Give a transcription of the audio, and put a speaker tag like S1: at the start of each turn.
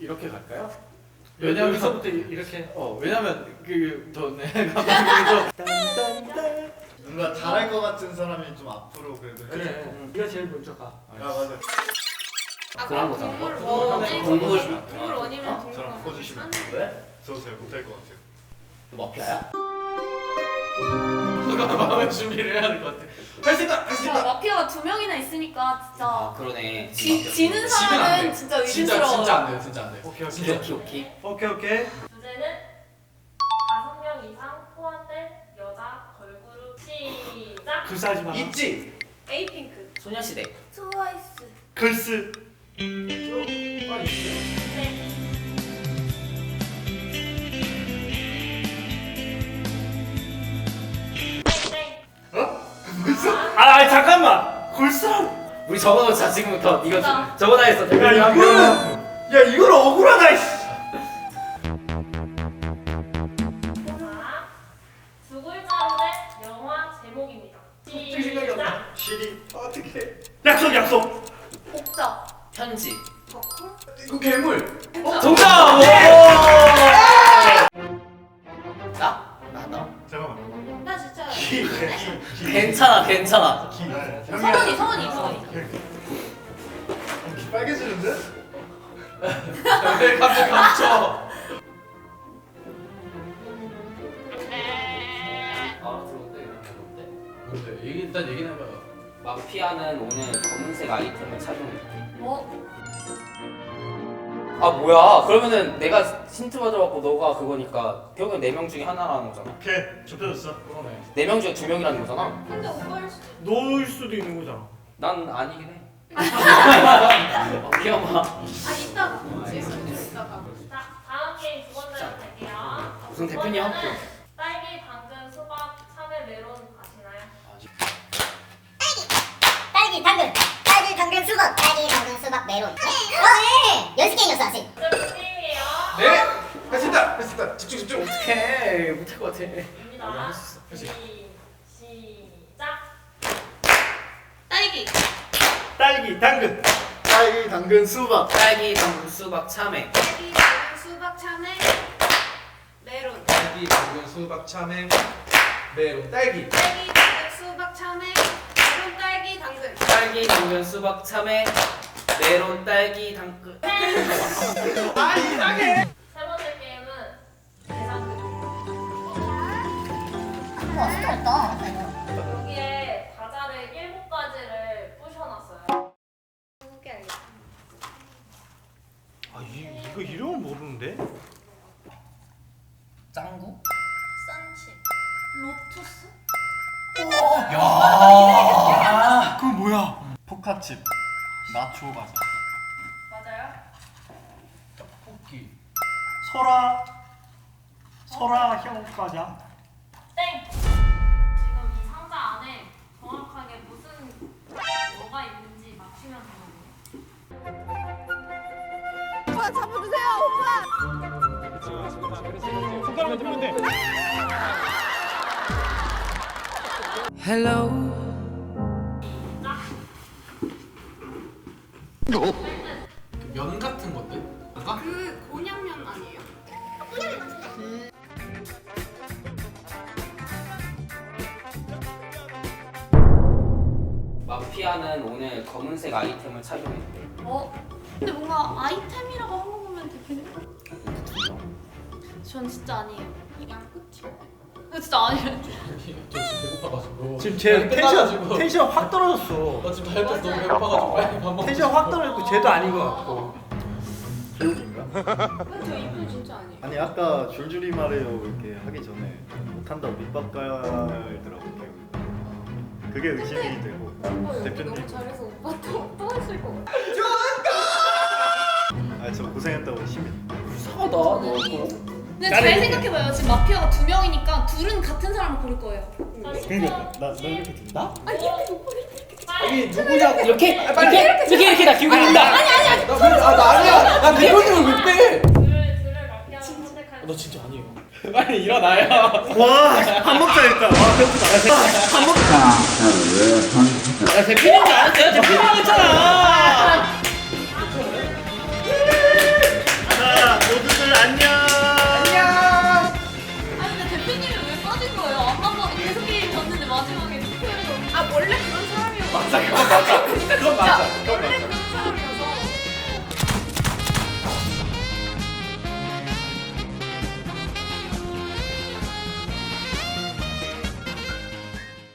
S1: 이렇게 갈까요?
S2: 왜냐면
S1: 여기서부터 이렇게.
S2: 왜냐면 그더 내가
S3: 뭔가 잘할 것 같은 사람이 좀 앞으로 그래도.
S2: 그래.
S1: 네가 제일 먼저 가.
S3: 맞아.
S4: 그런 거잖아.
S1: 동물
S4: 동물 원이면 동물
S3: 저랑
S4: 원.
S3: 바꿔주시면
S1: 왜?
S3: 저 잘 못할 것 같아요.
S1: 마피아야? 마음의 준비를 해야 될 것 같아. 할 수 있다. 할 수 있다.
S4: 마피아가 2명이나 있으니까 진짜
S5: 아 그러네.
S4: 지는
S1: 지면 안
S4: 사람은
S1: 돼.
S4: 진짜
S1: 진짜
S4: 의심스러워.
S1: 안 돼요. 진짜 안 돼.
S2: 오케이
S1: 진짜.
S5: 오케이.
S1: 오케이.
S6: 주제는 5명 이상 포함된 여자 걸그룹. 시작.
S1: 불사하지 마.
S2: 있지.
S4: 에이핑크,
S5: 소녀시대.
S4: 트와이스,
S2: 글쓰.
S6: 네. 땡.
S1: 아 잠깐만. 골수랑.
S5: 우리 적어놓자 지금부터. 이거
S4: 자.
S5: 적어놔 했어.
S2: 야 이거는 야 이건 억울하다. 이씨.
S6: 자, 두 글자로 된 영화 제목입니다. 시작.
S3: 시리.
S2: 어떻게?
S1: 약속.
S4: 복자,
S5: 편지.
S4: 덕후,
S2: 이거 괴물.
S1: 정답.
S5: 나?
S3: 잠깐만.
S4: 나 진짜
S5: 괜찮아.
S4: 성원이.
S3: 귀 빨개지는데?
S1: 왜 갑자기 감춰?
S5: 아 들어온대.
S1: 뭔데? 일단 얘기는 해봐요.
S5: 마피아는 오늘 검은색 아이템을 착용했대.
S4: 뭐?
S5: 아 뭐야? 그러면은 내가 힌트 받아갖고 너가 그거니까 결국엔 4명 중에 하나라는 거잖아.
S3: 오케이 좁혀졌어.
S1: 그러네.
S5: 4명 중에 2명이라는 거잖아.
S4: 근데 오빠일 수도.
S1: 놓을 수도 있는 거잖아.
S5: 난 아니긴 해. 귀여워.
S4: 이따가. 이따가.
S6: 자, 다음 게임 두 번째로 갈게요.
S5: 무슨
S6: 두
S5: 대표냐?
S6: 번째는 딸기, 당근, 수박, 참외, 메론 아시나요?
S7: 딸기, 당근, 수박, 메론. 네! 연습 게임이었어, 아직.
S6: 문제 게임이에요.
S2: 네? 할 수 있다. 집중.
S5: 어떡해. 못할 것 같아.
S6: 입니다.
S1: 할수 있어.
S6: 시작.
S4: 딸기,
S2: 딸기, 당근.
S3: 딸기, 당근, 수박.
S5: 딸기, 당근, 수박, 참외.
S4: 딸기, 당근, 수박, 참외, 메론.
S1: 딸기, 당근, 수박, 참외, 메론, 딸기.
S4: 딸기, 당근, 수박, 참외, 메론, 딸기, 당근.
S5: 딸기, 당근, 수박, 참외. 메론, 딸기, 당근.
S6: 세 번째 게임은 계산극입니다.
S7: 와, 진짜 어렵다.
S6: 여기에 과자를 7가지를 부셔놨어요.
S4: 해볼게 알겠다.
S2: 이거 이름은 모르는데?
S5: 짱구?
S4: 로투스?
S2: 그건 뭐야?
S3: 포카칩. 나초 과자.
S6: 맞아요?
S1: 떡볶이.
S2: 설아형 과자.
S6: 땡! 지금 이 상자 안에 정확하게 무슨 뭐가 있는지 맞추면 되거든요.
S1: 면 같은 건데? 뭔가?
S4: 그 곤약면 아니에요?
S5: 마피아는 오늘 검은색 아이템을 착용했대.
S4: 근데 뭔가 아이템이라고 한 거 보면 되게. 전 진짜 아니에요. 양꼬치. 진짜 아니에요.
S1: 저 지금 배고파가지고.
S2: 지금 제
S1: 끝나가지고.
S2: 텐션 확 떨어졌어.
S1: 나 지금 다이어트 너무 배고파가지고 빨리 밥 먹고.
S2: 텐션 확 떨어졌고 쟤도 아닌 것 같고.
S3: 교육인가?
S4: 저 이분 진짜 아니에요.
S3: 아니 아까 줄줄이 말해요 이렇게 하기 전에 못한다고 밑밥 깔더라고 교육. 그게 의심이 되고.
S4: 오빠 연기
S3: 대표님.
S4: 너무 잘해서 오빠 또 했을 것 같아.
S3: 저 고생했다고 심해.
S5: 이상하다. 너 그거.
S4: 근데 잘 생각해봐요. 지금 마피아가 2명이니까 둘은 같은 사람을 고를 거예요.
S3: 그러니까 나 이렇게 든다?
S4: 아니 이렇게 오빠 이렇게.
S1: 아니 누구냐고.
S5: 이렇게 나 기울고 있다.
S1: 나 아니야. 나 대표님을 왜 빼?
S6: 둘을 마피아로 선택할
S1: 너 진짜 아니에요. 빨리 일어나요.
S2: 와밥 먹자 일단. 와 배고프다.
S5: 야 대표님이 안 했어요. 대표님 했잖아.